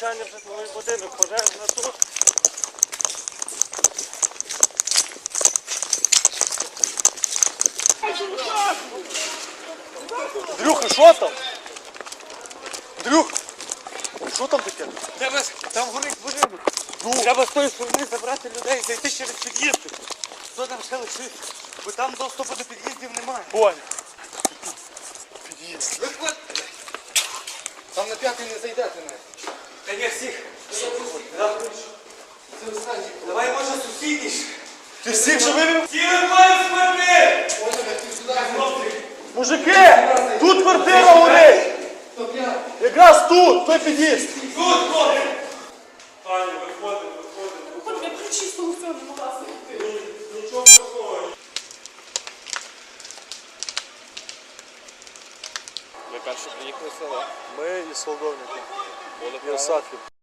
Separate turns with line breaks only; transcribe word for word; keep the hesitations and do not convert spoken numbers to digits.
влучання в житловий будинок, пожежна тут. Андрюха, що там? Андрюх, що там таке?
Треба, там горить будинок.
Ну.
Треба з тої сторони забрати людей, зайти через під'їзди. Хто там ще лишився? Бо там доступу до під'їздів немає.
Понял. Під'їзд.
Виходьте.
Там на п'ятий не зайдете навіть.
Та ні, всіх. Давай, може, сусідніше.
Ти всіх же вивів?
Всі виходять з квартир!
Мужики, тут квартира горить. Якраз тут, той під'їзд.
Тут ходить!
Аня, виходимо, виходимо.
Хоч я ключі з того всього не могла знайти.
Нічого такого.
Ви перші приїхали в село?
Ми із Солдовника.
Були
І Осадків.